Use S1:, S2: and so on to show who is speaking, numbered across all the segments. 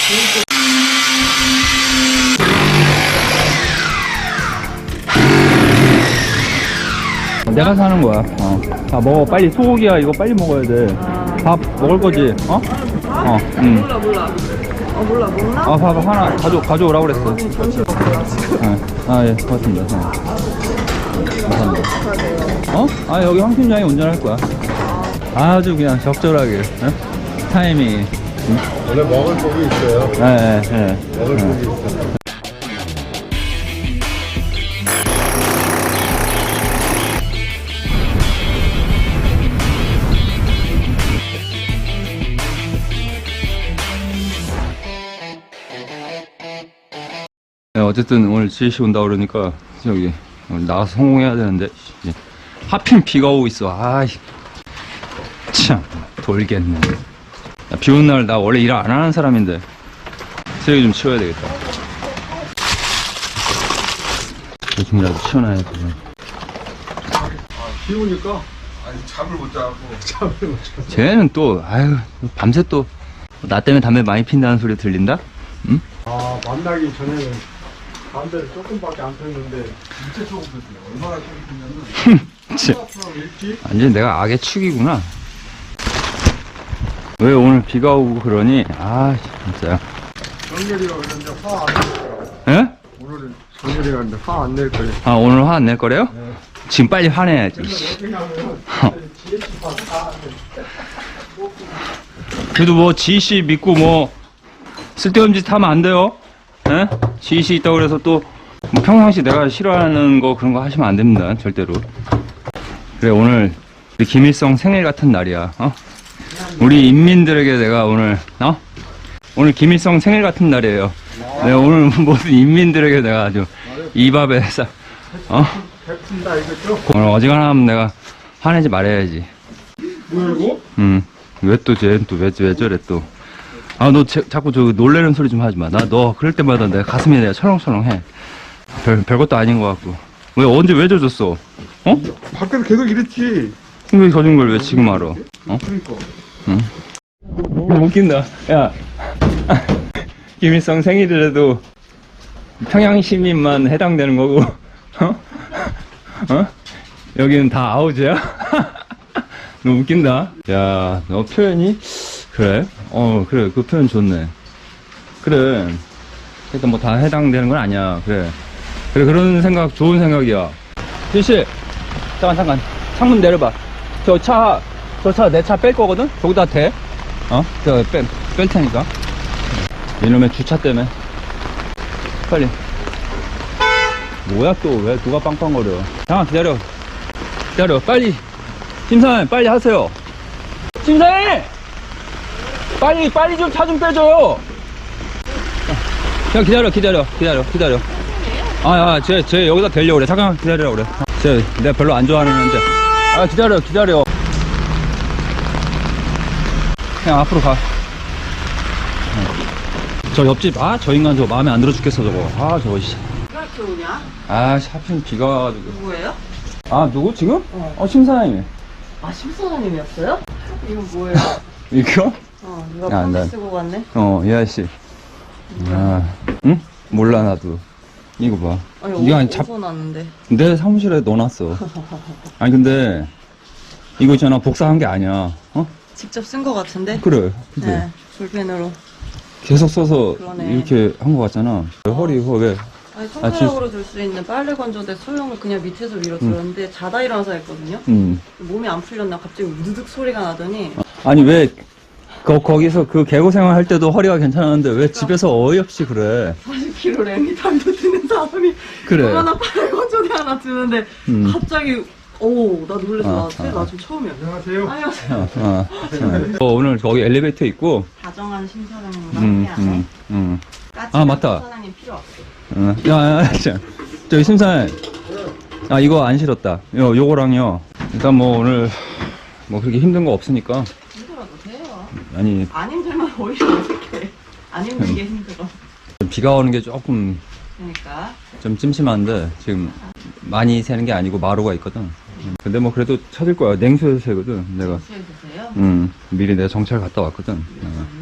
S1: 내가 사는 거야. 다 먹어. 빨리 소고기야. 이거 빨리 먹어야 돼. 밥 먹을 거지?
S2: 몰라. 몰라. 먹나?
S1: 밥 하나 가져오라고 그랬어.
S2: 점심 먹고 왔어.
S1: 예, 고맙습니다. 감사합니다. 여기 황 팀장이 운전할 거야. 아주 그냥 적절하게. 타이밍이.
S3: 원래 먹을 고기 있어요.
S1: 네.
S3: 먹을 고기 있어요.
S1: 네, 어쨌든 오늘 지혜씨 온다 그러니까 저기 오늘 나가서 성공해야 되는데 하필 비가 오고 있어. 참 돌겠네. 비 오는 날 나 원래 일 안 하는 사람인데 쓰레기 좀 치워야 되겠다. 요즘이라도 치워놔야 돼.
S3: 비 오니까 잠을 못 자고
S1: 쟤는 또 밤새 또 나 때문에 담배 많이 핀다는 소리 들린다? 응?
S3: 만나기 전에는 담배를 조금밖에 안 폈는데 진짜 조금 폈어요. 얼마나 조금 폈냐면
S1: 완전 내가 악의 축이구나. 왜 오늘 비가 오고 그러니? 진짜.
S3: 정렬이가 그런데 화 안 낼 거라고.
S1: 예?
S3: 오늘은 정렬이가 그런데 화 안 낼 거예요.
S1: 오늘 화 안 낼 거래요?
S3: 네.
S1: 지금 빨리 화내야지. 그래도 뭐 지희씨 믿고 뭐 쓸데없는 짓 하면 안 돼요. 예? 지희씨 있다고 그래서 또 뭐 평상시 내가 싫어하는 거 그런 거 하시면 안 됩니다. 절대로. 그래, 오늘 우리 김일성 생일 같은 날이야. 우리 인민들에게 내가 오늘 오늘 김일성 생일 같은 날이에요. 내가 오늘 모든 인민들에게 내가 아주 이 밥에
S3: 베푼다 이거죠?
S1: 오늘 어지간하면 내가 화내지 말아야지.
S3: 뭐야 이거?
S1: 왜 또 쟤는 또 왜 저래 또. 너 자꾸 저 놀래는 소리 좀 하지 마. 너 그럴 때마다 내가 가슴이 내가 철렁철렁해. 별것도 아닌 것 같고. 언제 왜 젖었어?
S3: 밖에서 계속 이랬지.
S1: 왜 젖은 걸 왜 지금 알아?
S3: 그러니까.
S1: 웃긴다. 야. 김일성 생일이라도 평양 시민만 해당되는 거고, 여기는 다 아우즈야? 너 웃긴다. 야, 너 표현이? 그래? 그래. 그 표현 좋네. 그래. 일단 뭐 다 해당되는 건 아니야. 그래. 그런 생각, 좋은 생각이야. 지씨, 잠깐. 창문 내려봐. 저 차 내 차 뺄 거거든? 저기다 대. 뺄 테니까. 이놈의 주차 때문에. 빨리. 뭐야, 또, 왜, 누가 빵빵거려. 잠깐, 기다려, 빨리. 심사님, 빨리 하세요. 심사님! 빨리 좀 차 좀 빼줘요. 그냥 기다려. 쟤 여기다 대려고 그래. 잠깐 기다리라고 그래. 내가 별로 안 좋아하는 애인데. 기다려. 그냥 앞으로 가. 저 옆집, 저 인간 저거 마음에 안 들어 죽겠어, 저거. 저거, 씨.
S2: 누가 이렇게 오냐?
S1: 하필 비가 와가지고.
S2: 누구예요?
S1: 누구 지금? 심사님이.
S2: 심사장님이었어요? 이건 뭐예요?
S1: 이거?
S2: 누가
S1: 야,
S2: 편지
S1: 난-
S2: 쓰고 갔네?
S1: 이 아저씨. 응? 몰라, 나도. 이거 봐.
S2: 아니,
S1: 이거
S2: 어디서 났는데?
S1: 내 사무실에 넣어놨어. 아니, 근데, 이거 있잖아. 복사한 게 아니야.
S2: 직접 쓴 거 같은데?
S1: 그래. 그치?
S2: 네, 볼펜으로.
S1: 계속 써서
S2: 그러네.
S1: 이렇게 한 거 같잖아. 허리, 왜?
S2: 아니, 손가락으로 줄 수 있는 빨래 건조대 소형을 그냥 밑에서 위로 들었는데 자다 일어나서 했거든요? 몸이 안 풀렸나 갑자기 우드득 소리가 나더니
S1: 아니, 왜, 거기서 그 개고생활 할 때도 허리가 괜찮았는데 왜 집에서 어이없이 그래?
S2: 40kg 레미탄도 드는 사람이
S1: 그래.
S2: 얼마나 빨래 건조대 하나 드는데 갑자기 나 놀래서 나 좀 처음이야.
S3: 안녕하세요.
S2: 안녕하세요.
S1: 오늘 거기 엘리베이터 있고,
S2: 다정한 심사장님과 함께하네.
S1: 맞다.
S2: 심사장님 필요 없어.
S1: 자, 저기 심사님. 이거 안 싫었다. 요거랑요. 일단 뭐 오늘 뭐 그렇게 힘든 거 없으니까.
S2: 힘들어도 돼요.
S1: 아니,
S2: 안 힘들면 오히려 어색해. 안 힘들게 힘들어.
S1: 비가 오는 게 조금
S2: 그러니까.
S1: 좀 찜찜한데 지금 많이 새는 게 아니고 마루가 있거든. 근데 뭐 그래도 찾을 거야. 냉수에서 새거든 내가.
S2: 수해주세요.
S1: 미리 내가 정찰 갔다 왔거든.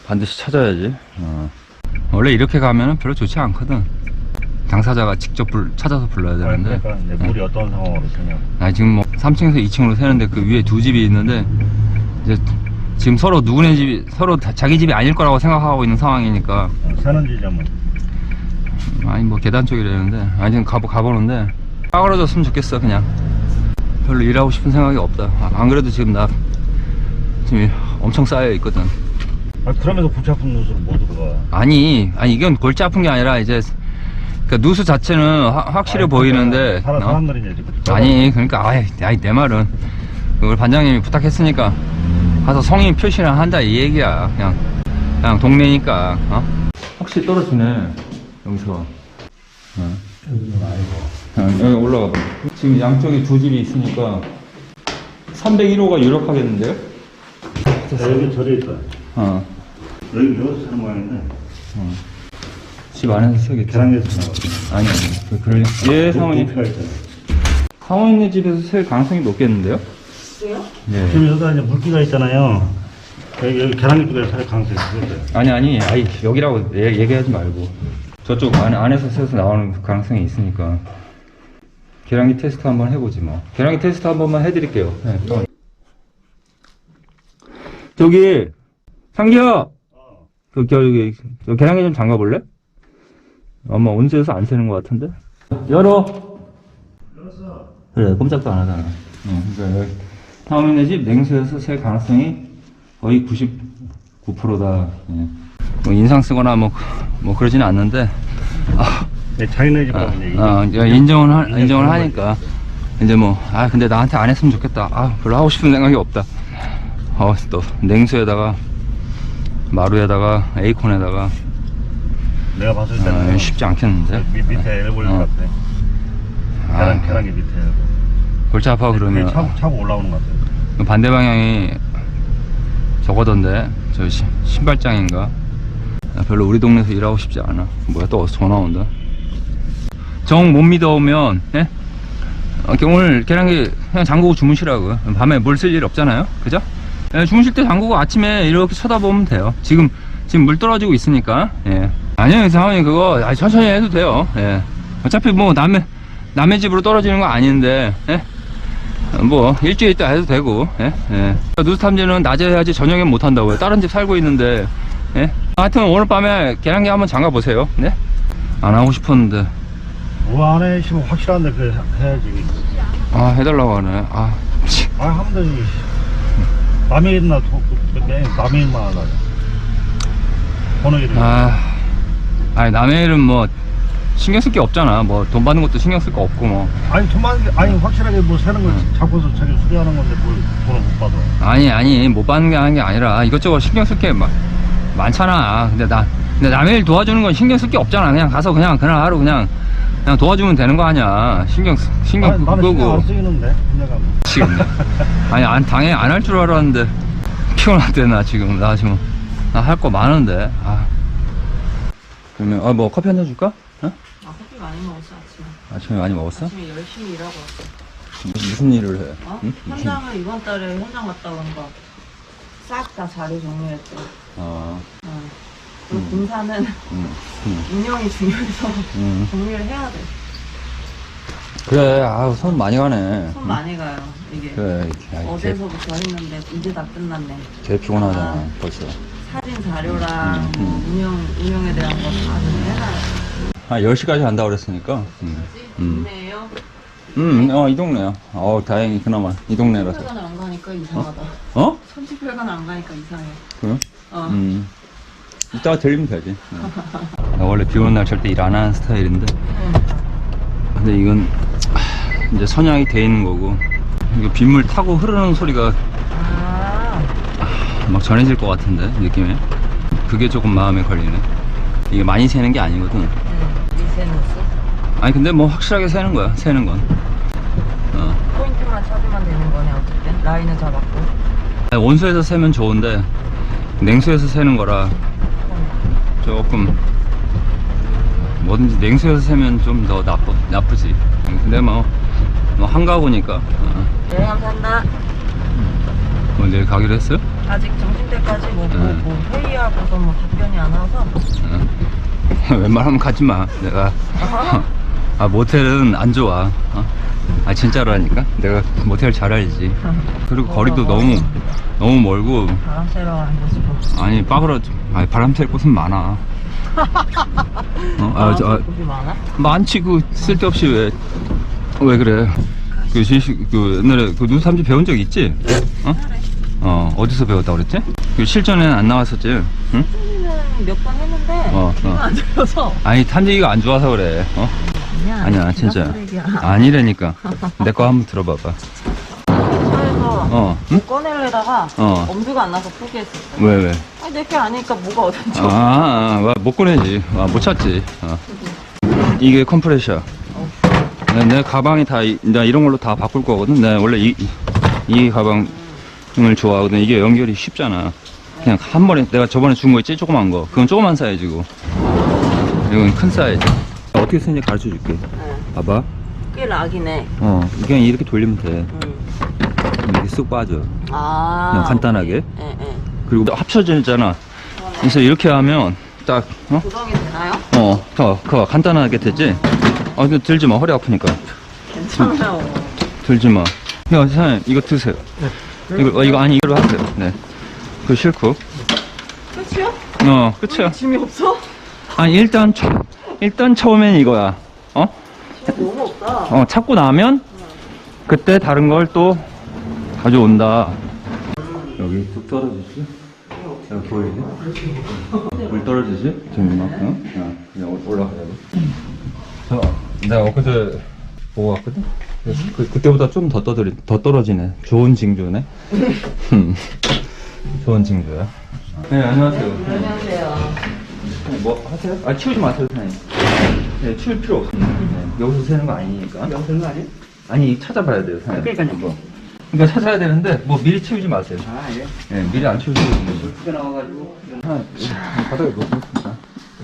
S1: 반드시 찾아야지. 원래 이렇게 가면은 별로 좋지 않거든. 당사자가 직접 찾아서 불러야 되는데.
S4: 그러니까 근데 물이 어떤 상황으로 새냐.
S1: 아니 지금 뭐 3층에서 2층으로 새는데 그 위에 두 집이 있는데 이제 지금 서로 누구네 집이 서로 자기 집이 아닐 거라고 생각하고 있는 상황이니까.
S4: 새는 지점은
S1: 아니 뭐 계단 쪽이라는데 아니 지금 가보는데 빠그러졌으면 좋겠어. 그냥 별로 일하고 싶은 생각이 없다. 안 그래도 지금 나 지금 엄청 쌓여 있거든.
S4: 그러면서 골치 아픈 누수로 못 들어가.
S1: 아니 이건 골치 아픈 게 아니라 이제 그 누수 자체는 확실해 보이는데
S4: 사람들이 이제
S1: 아니 그러니까 아이 내 말은 그걸 반장님이 부탁했으니까 가서 성인 표시나 한다 이 얘기야. 그냥 동네니까. 확실히 떨어지네 여기서. 여기 올라가 봐. 지금 양쪽에 두 집이 있으니까 301호가 유력하겠는데요?
S4: 여기 절에 있다. 여기 여기서 사는 모양인데
S1: 집 안에서 세겠지.
S4: 계란에서 나와.
S1: 아니 그럴 예 상원이
S4: 높이가 있잖아.
S1: 상원이네 집에서 셀 가능성이 높겠는데요?
S2: 왜요?
S1: 네.
S4: 지금 여기가 이제 물기가 있잖아요. 여기 계란기 쪽에서 살 가능성이 있어요.
S1: 아니 여기라고 얘기하지 말고 저쪽 안에서 새서 나오는 가능성이 있으니까 계량기 테스트 한번 해보지 뭐. 계량기 테스트 한 번만 해드릴게요. 네. 저기 상기야 저기 저 계량기 좀 잠가볼래? 아마 온수에서 안 새는 것 같은데. 열어. 그래 꼼짝도 안 하잖아. 그러니까 여기 상호민네 집 냉수에서 셀 가능성이 거의 99%다. 예. 뭐 인상 쓰거나 뭐 그러지는 않는데
S4: 네, 자기네 집하고 이제
S1: 인정을 하니까 이제 뭐 근데 나한테 안 했으면 좋겠다. 별로 하고 싶은 생각이 없다. 또 냉수에다가 마루에다가 에이콘에다가
S4: 내가 봤을 때는
S1: 쉽지 않겠는데.
S4: 밑에 엘볼릴 것 같아. 계란기 밑에.
S1: 골치 아파 그러면
S4: 차고 올라오는 것 같아.
S1: 반대 방향이 저거던데 저 신발장인가. 별로 우리 동네에서 일하고 싶지 않아. 뭐야 또 어디서 전화 온다. 정 못 믿어오면 예? 오늘 계란기 그냥 잠그고 주무시라고. 밤에 물 쓸 일 없잖아요, 그죠? 예, 주무실 때 잠그고 아침에 이렇게 쳐다보면 돼요. 지금 물 떨어지고 있으니까. 예. 아니요 상황이 그거 천천히 해도 돼요. 예. 어차피 뭐 남의 집으로 떨어지는 거 아닌데. 예? 뭐 일주일 있다 해도 되고. 예? 예. 누수 탐지는 낮에 해야지 저녁엔 못 한다고요. 다른 집 살고 있는데. 예? 하여튼 오늘 밤에 계량기 한번 잠가 보세요. 네? 안 하고 싶었는데.
S4: 뭐 안에 있으면 확실한데 그 해야지.
S1: 해달라고 하네.
S4: 하면 되지. 남의 일이나 남의 일만 하다. 번호 이름.
S1: 아니 남의 일은 뭐 신경 쓸 게 없잖아. 뭐 돈 받는 것도 신경 쓸 거 없고 뭐.
S4: 아니 확실하게 뭐 새는 걸 잡고서 자기 수리하는 건데 뭘 돈을 못 받아.
S1: 아니 못 받는 게 하는 게 아니라 이것저것 신경 쓸 게 많잖아. 근데 남의 일 도와주는 건 신경 쓸 게 없잖아. 그냥 가서 그날 하루 그냥 도와주면 되는 거 아니야. 신경
S4: 나는
S1: 끄고.
S4: 신경 안 쓰이는데 내가
S1: 지금 당연히 안 할 줄 알았는데 피곤한데 나 지금 할 거 많은데. 그러면 뭐 커피 한잔 줄까?
S2: 커피 많이 먹었어 아침에.
S1: 아침에 많이 먹었어?
S2: 아침에 열심히 일하고 왔어.
S1: 무슨 일을 해? 응?
S2: 현장을 이번 달에 현장 갔다 온 거 싹 다 자료 정리했대. 그리고 공사는 운영이 중요해서 정리를 해야 돼.
S1: 그래, 손 많이 가네.
S2: 손 많이 가요, 이게.
S1: 그래,
S2: 어제서부터 했는데 이제 다 끝났네.
S1: 개 피곤하잖아, 벌써.
S2: 사진 자료랑 운영에 대한 거 다 정리해놔요.
S1: 10시까지 간다고 그랬으니까.
S2: 동네에요?
S1: 이 동네야. 다행히 그나마 이 동네라서.
S2: 천지별관 안 가니까 이상하다. 천지별관 안 가니까 이상해.
S1: 그래? 이따가 들리면 되지. 나 원래 비 오는 날 절대 일 안 하는 스타일인데. 근데 이건 이제 선양이 돼 있는 거고. 이거 빗물 타고 흐르는 소리가 막 전해질 것 같은데, 느낌에. 그게 조금 마음에 걸리네. 이게 많이 새는 게 아니거든.
S2: 미세누스?
S1: 아니 근데 뭐 확실하게 새는 거야, 새는 건.
S2: 포인트만 찾으면 되는 거네, 어쨌든. 라인을 잡았고.
S1: 온수에서 새면 좋은데 냉수에서 새는 거라 조금 뭐든지 냉수에서 새면 좀 더 나쁘지. 근데 뭐 한가구니까.
S2: 네, 감사합니다.
S1: 뭐 내일 가기로 했어요?
S2: 아직 점심때까지 뭐
S1: 네.
S2: 회의하고서 뭐 답변이 안 와서.
S1: 웬만하면 가지 마. 내가 아 모텔은 안 좋아. 아 진짜라니까. 내가 모텔 잘 알지. 그리고 거리도 너무 멀고.
S2: 바람 쐬러 가는 거지 뭐.
S1: 아니 빠그러. 아니 바람 쐴 곳은 많아.
S2: 곳이 많아?
S1: 많지. 그 쓸데없이 왜 그래? 그 옛날에 그 누삼지 배운 적 있지? 어디서 배웠다 그랬지? 그 실전에는 안 나왔었지? 응?
S2: 몇 번 했는데 귀가 안 들려서.
S1: 아니 탄지기가 안 좋아서 그래. 아니야 진짜 아니라니까. 내 거 한번 들어봐봐.
S2: 차에서
S1: 응?
S2: 꺼내려다가 엄두가 안 나서 포기했었어.
S1: 왜?
S2: 아니 내게 아니까 뭐가 어딘지.
S1: 못 꺼내지. 못 찾지. 이게 컴프레셔. 내 가방이 나 이런 걸로 다 바꿀 거거든. 내가 원래 이 가방을 좋아하거든. 이게 연결이 쉽잖아. 그냥 한 번에 내가 저번에 준 거 있지? 조그만 거. 그건 조그만 사이즈고. 이건 큰 사이즈. 어떻게 쓰는지 가르쳐 줄게. 봐봐.
S2: 꽤 락이네.
S1: 그냥 이렇게 돌리면 돼. 이렇게 쑥 빠져. 그냥 간단하게. 그리고 합쳐지잖아. 그래서 이렇게 하면 딱
S2: 고정이 되나요?
S1: 그거 간단하게 되지? 근데 들지 마. 허리 아프니까.
S2: 괜찮아요.
S1: 들지 마. 야, 사장님, 이거 드세요. 이거 아니, 이거로 하세요. 네. 그거 싫고.
S2: 끝이요?
S1: 끝이야.
S2: 짐이 없어?
S1: 아니, 일단 처음엔 이거야.
S2: 짐이 너무 없다.
S1: 찾고 나면, 그때 다른 걸 또 가져온다. 여기 뚝 떨어지지? 여기 보이네? 물 떨어지지? 지금 이만큼? 그냥 올라가자고. 내가 엊그제 보고 왔거든? 그때보다 좀 더 떨어지네. 좋은 징조네. 좋은 징조야. 네, 안녕하세요.
S2: 안녕하세요.
S1: 뭐 하세요? 치우지 마세요, 선생님. 네, 치울 필요 없습니다. 네, 여기서 세는 거 아니니까. 여기서 세는 거 아니에요? 아니, 찾아봐야 돼요, 선생님. 그러니까 찾아야 되는데, 뭐 미리 치우지 마세요.
S3: 예.
S1: 네, 미리 안 치우시고 있는
S3: 크게 나와가지고.
S1: 바닥에 놓겠습니다.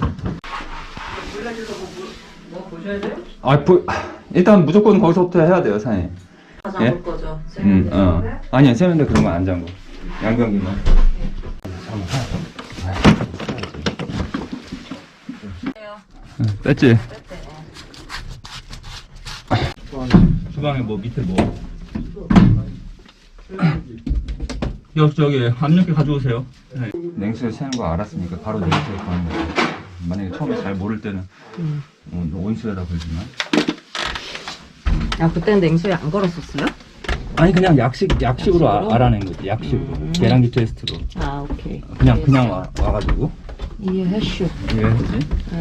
S2: 뭐 보셔야 돼요?
S1: 일단 무조건 거기서부터 해야 돼요, 사장님.
S2: 다 잠글 거죠?
S1: 아니야, 세면대 그런 거 안 잠궈. 양변기만. 뺐지? 주방에 뭐 밑에 뭐? 저기 압력계 가져오세요. 냉수에 새는 거 알았으니까 바로 냉수에 가는 거예요. 만약에 처음에 잘 모를 때는 온수에다 걸지만.
S2: 그때는 냉수에 안 걸었었어요?
S1: 아니 그냥 약식으로 알아낸 거지. 약식으로 계량기 테스트로.
S2: 오케이.
S1: 그냥 와가지고
S2: 이해했슈.
S1: 이해했지.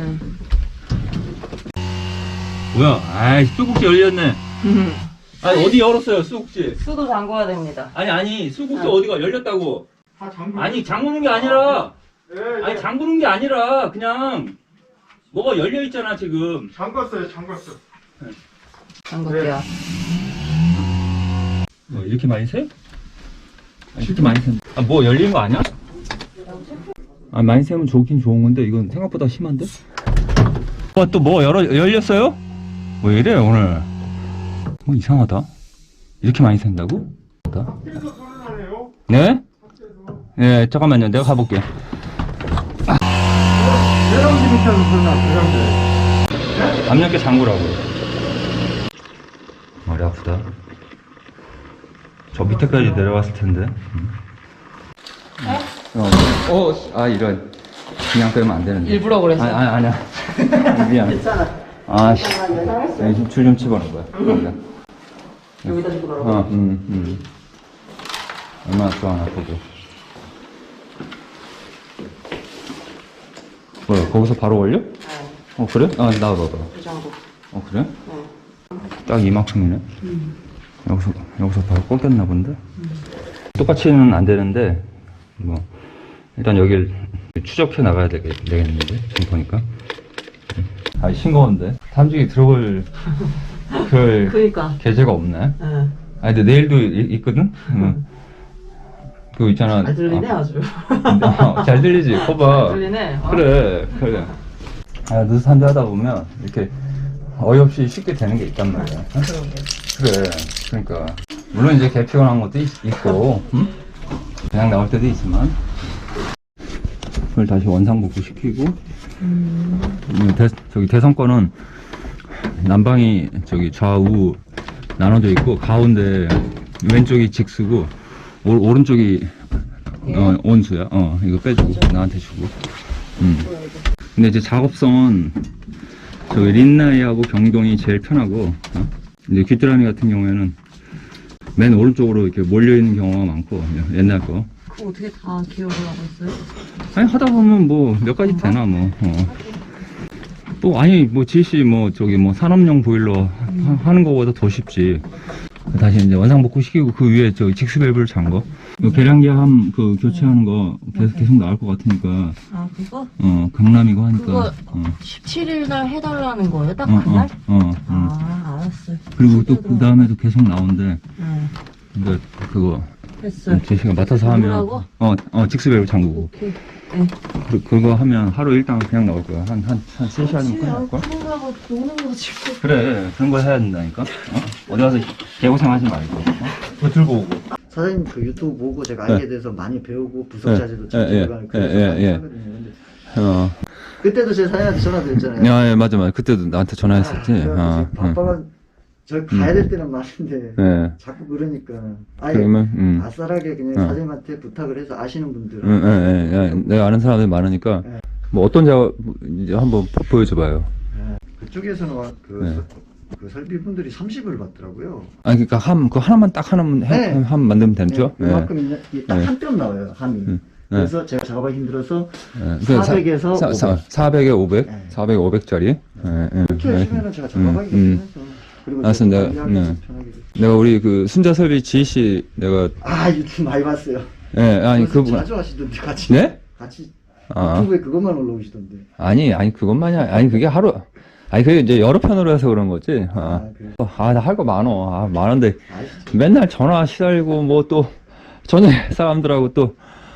S1: 뭐야? 아이 수국지 열렸네. 아니 어디 열었어요 수국지?
S2: 수도 잠궈야 됩니다.
S1: 아니 수국지 어디가 열렸다고? 아니 잠그는 게 아니라. 아니 잠그는 게 아니라 그냥 뭐가 열려 있잖아 지금.
S3: 잠궜어요.
S2: 잠글게요.
S1: 뭐 이렇게 많이 새? 이렇게 많이 새? 뭐 열린 거 아니야? 많이 새면 좋긴 좋은 건데 이건 생각보다 심한데? 또 뭐 열렸어요? 왜 이래 오늘? 뭐 이상하다. 이렇게 많이 샌다고? 네? 네 잠깐만요. 내가 가볼게.
S3: 계량기 밑에서 설마 계량기.
S1: 압력계 잠그라고. 머리 아프다. 저 밑에까지 내려왔을 텐데. 이런. 그냥 빼면 안 되는데.
S2: 일부러 그랬어.
S1: 아니야. 미안.
S2: 괜찮아.
S1: 줄 좀 집어넣어봐요.
S2: 여기다 주고 넣으라고?
S1: 얼마나 좋아하나 보고. 뭐야, 거기서 바로 올려? 그래? 나와봐.
S2: 그 정도.
S1: 그래? 딱 이만큼이네. 여기서 바로 꺾였나 본데? 똑같이는 안 되는데, 일단 여길 추적해 나가야 되겠는데, 지금 보니까. 싱거운데? 탐지기 들어올,
S2: 그니까.
S1: 계제가 없네. 근데 내일도 있거든? 그거 있잖아.
S2: 잘 들리네, 아주.
S1: 잘 들리지? 거봐.
S2: 잘 들리네.
S1: 그래. 느슨한데 하다 보면, 이렇게 어이없이 쉽게 되는 게 있단 말이야. 그래. 그러니까. 물론 이제 개 피곤한 것도 있고, 응? 그냥 나올 때도 있지만 그걸 다시 원상복구 시키고 저기 대성권은 난방이 저기 좌우 나눠져 있고 가운데 왼쪽이 직수고 오른쪽이 온수야. 이거 빼주고 나한테 주고. 근데 이제 작업성은 저기 린나이하고 경동이 제일 편하고 이제 귀뚜라미 같은 경우에는 맨 오른쪽으로 이렇게 몰려 있는 경우가 많고 옛날 거.
S2: 그거 어떻게 다 기억을 하고 있어요?
S1: 아니 하다 보면 뭐 몇 가지 되나 뭐. 또 아니 뭐 지시 뭐 저기 뭐 산업용 보일러 하는 거보다 더 쉽지. 다시 이제 원상복구 시키고 그 위에 저 직수 밸브를 잔 거. 그 계량기함 그 교체하는 거 계속 나올 것 같으니까.
S2: 아 그거?
S1: 강남이고 하니까.
S2: 그거 17일 날 해달라는 거예요? 딱 그날? 아 알았어요.
S1: 그리고 또 그 다음에도 계속 나온대. 근데 그거
S2: 됐어요.
S1: 제시가 맡아서 하면
S2: 뭐라고?
S1: 직수 밸브 잠그고.
S2: 오케이. 네.
S1: 그거 하면 하루 일당 그냥 나올 거야. 한 3시간이면 끝날 걸?
S2: 그런가 노는 거지.
S1: 그래, 그런 거 해야 된다니까. 어디 가서 개고생 하지 말고. 그거 들고 오고.
S5: 사장님 그 유튜브 보고 제가
S1: 네.
S5: 알게 돼서 많이 배우고 부석 자재도
S1: 예,
S5: 전체가 그래서
S1: 예,
S5: 많이
S1: 예.
S5: 하거든요. 근데 그때도 제 사장님한테 전화드렸잖아요.
S1: 예, 맞아. 그때도 나한테 전화했었지.
S5: 바빠가 저 가야 될 때는 많은데
S1: 예.
S5: 자꾸 그러니까 아예
S1: 그러면,
S5: 아싸라게 그냥 사장님한테 부탁을 해서 아시는 분들
S1: 예. 내가 아는 사람들이 많으니까.
S5: 네.
S1: 뭐 어떤 작업, 이제 한번 보여줘봐요.
S5: 그쪽에서는
S1: 네.
S5: 그 설비분들이 30을 받더라고요.
S1: 아니, 그니까 그 하나만 딱 하나만
S5: 네.
S1: 함 만들면 되죠?
S5: 네, 그만큼 딱
S1: 네.
S5: 한 뼘 나와요 함이. 그래서 제가 작업하기 힘들어서
S1: 예.
S5: 400에서
S1: 400에 500?
S5: 네.
S1: 400에 500짜리?
S5: 그렇게 하시면은 제가 작업하기
S1: 음.
S5: 편해서 그리고
S1: 알았습니다.
S5: 제가 관리하기
S1: 네.
S5: 편하게 됐어요.
S1: 내가 우리 그 순자설비 지희씨 내가,
S5: 유튜브 많이 봤어요.
S1: 예, 아니,
S5: 그래서
S1: 그분.
S5: 자주 하시던데 같이.
S1: 네?
S5: 같이
S1: 아.
S5: 유튜브에 그것만 올라오시던데.
S1: 아니, 그것만이 아니, 그게 하루, 그게 이제 여러 편으로 해서 그런 거지.
S5: 그래요?
S1: 나 할 거 많어. 많은데,
S5: 아시죠?
S1: 맨날 전화 시달리고, 뭐 또, 저녁에 사람들하고 또,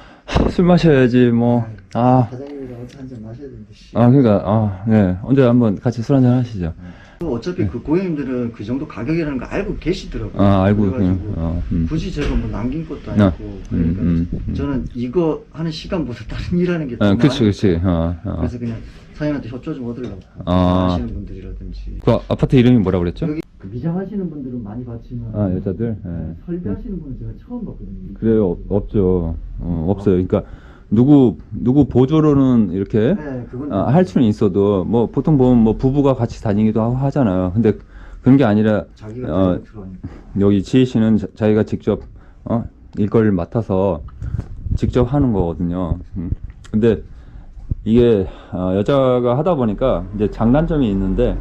S1: 술 마셔야지, 뭐,
S5: 사장님이랑 어차 한잔 마셔야 되는데. 씨.
S1: 그러니까, 네. 언제 한번 같이 술 한잔 하시죠.
S5: 어차피 그 고객님들은 그 정도 가격이라는 거 알고 계시더라고요.
S1: 알고,
S5: 그래가지고
S1: 그냥,
S5: 굳이 제가 뭐 남긴 것도 아니고. 그러니까 저는 이거 하는 시간보다 다른 일 하는 게 더
S1: 그치.
S5: 그래서 그냥 사장님한테 협조 좀 얻으려고. 하시는 분들이라든지.
S1: 그 아파트 이름이 뭐라 그랬죠?
S5: 여기 그 미장하시는 분들은 많이 봤지만.
S1: 여자들?
S5: 설비하시는 분은 제가 처음 봤거든요.
S1: 그래요, 없죠. 없어요. 그러니까, 누구 보조로는 이렇게,
S5: 네, 그건
S1: 할 수는 있어도 뭐 보통 보면 뭐 부부가 같이 다니기도 하고 하잖아요. 근데 그런 게 아니라
S5: 자기가 들어가니까.
S1: 여기 지희 씨는 자기가 직접 일거리를 맡아서 직접 하는 거거든요. 근데 이게 여자가 하다 보니까 이제 장단점이 있는데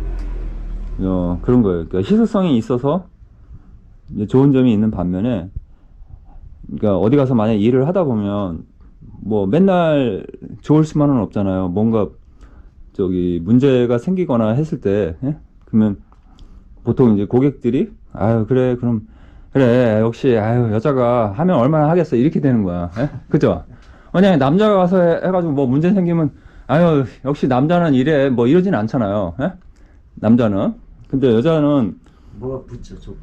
S1: 그런 거예요. 그러니까 희소성이 있어서 이제 좋은 점이 있는 반면에 그러니까 어디 가서 만약 일을 하다 보면 뭐 맨날 좋을 수만은 없잖아요. 뭔가 저기 문제가 생기거나 했을 때 그러면 보통 이제 고객들이 그래 그럼 그래 역시 여자가 하면 얼마나 하겠어 이렇게 되는 거야. 그죠? 만약에 남자가 가서 해가지고 뭐 문제 생기면 역시 남자는 이래 뭐 이러진 않잖아요. 남자는. 근데 여자는
S5: 뭐가 붙죠 조금.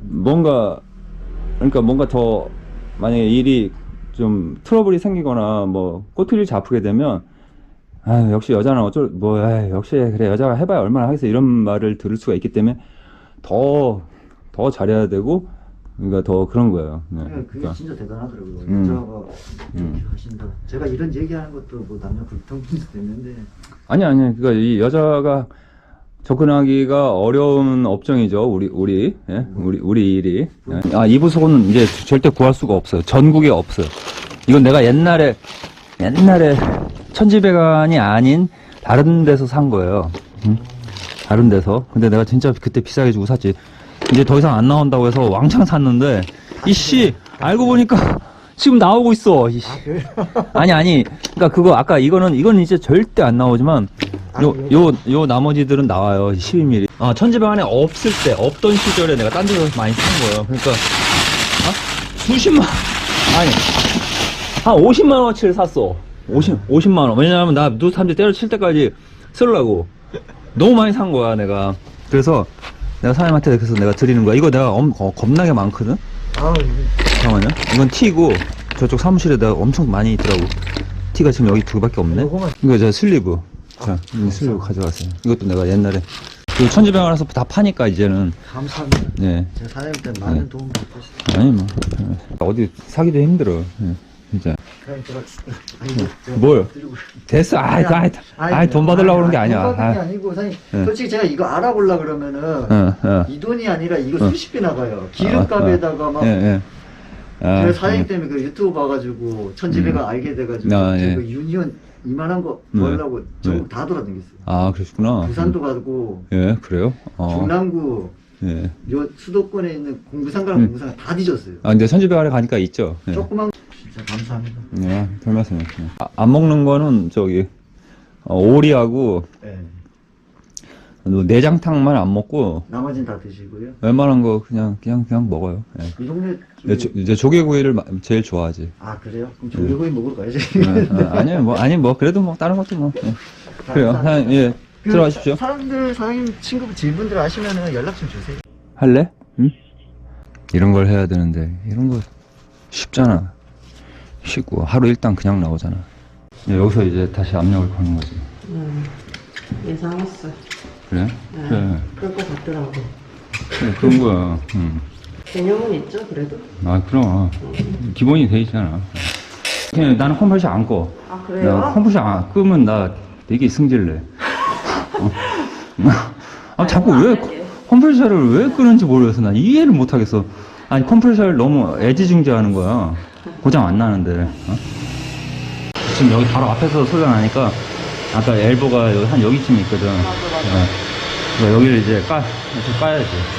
S1: 그러니까 뭔가 더 만약에 일이 좀 트러블이 생기거나 뭐 꼬투리를 잡히게 되면 역시 여자는 역시 그래 여자가 해봐야 얼마나 하겠어 이런 말을 들을 수가 있기 때문에 더 잘해야 되고 그러니까 더 그런 거예요. 네,
S5: 그게
S1: 그러니까.
S5: 진짜 대단하더라고요. 여자가 이렇게 하신다. 제가 이런 얘기하는 것도 뭐 남녀 불평등도 됐는데.
S1: 아니 그러니까 이 여자가 접근하기가 어려운 업종이죠. 우리 일이. 이 부속은 이제 절대 구할 수가 없어요. 전국에 없어요. 이건 내가 옛날에 천지배관이 아닌 다른 데서 산 거예요. 다른 데서. 근데 내가 진짜 그때 비싸게 주고 샀지. 이제 더 이상 안 나온다고 해서 왕창 샀는데 이씨 알고 보니까 지금 나오고 있어. 아니. 그러니까 그거 아까 이건 이제 절대 안 나오지만 요 나머지들은 나와요. 12mm. 천지배관에 없던 시절에 내가 딴 데서 많이 산 거예요. 그러니까 수십만 아니 한 50만 원어치를 샀어. 50만 원. 왜냐면 나 누수 탐지 때려칠 때까지 쓰려고 너무 많이 산 거야 내가. 그래서 내가 사장님한테 그래서 내가 드리는 거야. 이거 내가 겁나게 많거든. 잠깐만요. 이건 T고 저쪽 사무실에다 엄청 많이 있더라고. 티가 지금 여기 2개밖에 없네. 이거 저 슬리브. 자, 이 슬리브 가져가세요. 이것도 내가 옛날에 그 천지병원에서 다 파니까 이제는.
S5: 감사합니다.
S1: 네.
S5: 제가 사장님 때문에 많은
S1: 네.
S5: 도움 받고 있습니다.
S1: 아니 뭐 어디 사기도 힘들어. 예, 진짜.
S5: 그냥 제가 아니 제가
S1: 뭐요?
S5: 드리고
S1: 됐어. 아이 돈 받으려고 그런 게 아니야.
S5: 돈 받는 게
S1: 아,
S5: 아니고 사장님
S1: 네.
S5: 솔직히 제가 이거 알아보려 그러면은 이 돈이 아니라 이거 수십비 나가요. 기름값에다가 막
S1: 예, 예. 아,
S5: 제가 사장님 때문에 그 유튜브 봐가지고 천지배가 알게 돼가지고
S1: 아, 예.
S5: 그 유니온 이만한 거 구하려고 전국 다 돌아다녔어요.
S1: 아, 그러시구나.
S5: 부산도 가고
S1: 예, 그래요?
S5: 중남구
S1: 예.
S5: 요 수도권에 있는 공부상가랑 공부상가 다 뒤졌어요.
S1: 아, 근데 선지병원에 가니까 있죠. 예.
S5: 조그만 진짜 감사합니다.
S1: 예, 별 말씀이요. 안 먹는 거는 저기 오리하고
S5: 네.
S1: 내장탕만 안 먹고
S5: 나머지는 다 드시고요.
S1: 웬만한 거 그냥 먹어요. 예.
S5: 이 동네
S1: 이제 조개구이를 제일 좋아하지.
S5: 아 그래요? 그럼 조개구이 먹으러 가야지.
S1: 아니 뭐 그래도 뭐 다른 것도 뭐 그래요. 사장님, 예,
S5: 그
S1: 들어가십시오.
S5: 사람들 사장님 친구 질문들 아시면은 연락 좀 주세요.
S1: 할래? 응? 이런 걸 해야 되는데 이런 거 쉽잖아. 쉽고 하루 일당 그냥 나오잖아. 여기서 이제 다시 압력을 거는 거지.
S2: 예상했어요.
S1: 그래?
S2: 네.
S1: 그래.
S2: 그럴 것 같더라고.
S1: 그래, 그런 거야. 응.
S2: 개념은 있죠, 그래도?
S1: 아, 그럼. 기본이 돼 있잖아. 그냥 나는 컴프레셔 안 꺼.
S2: 아, 그래요?
S1: 나 컴프레셔 안 끄면 나 되게 승질내. 아, 자꾸 왜 컴프레셔를 왜 끄는지 모르겠어. 난 이해를 못 하겠어. 아니, 컴프레셔를 너무 애지중지하는 거야. 고장 안 나는데. 어? 지금 여기 바로 앞에서 소리가 나니까 아까 엘보가 한 여기쯤 있거든.
S2: 맞아.
S1: 그러니까 여기를 이제 까야지.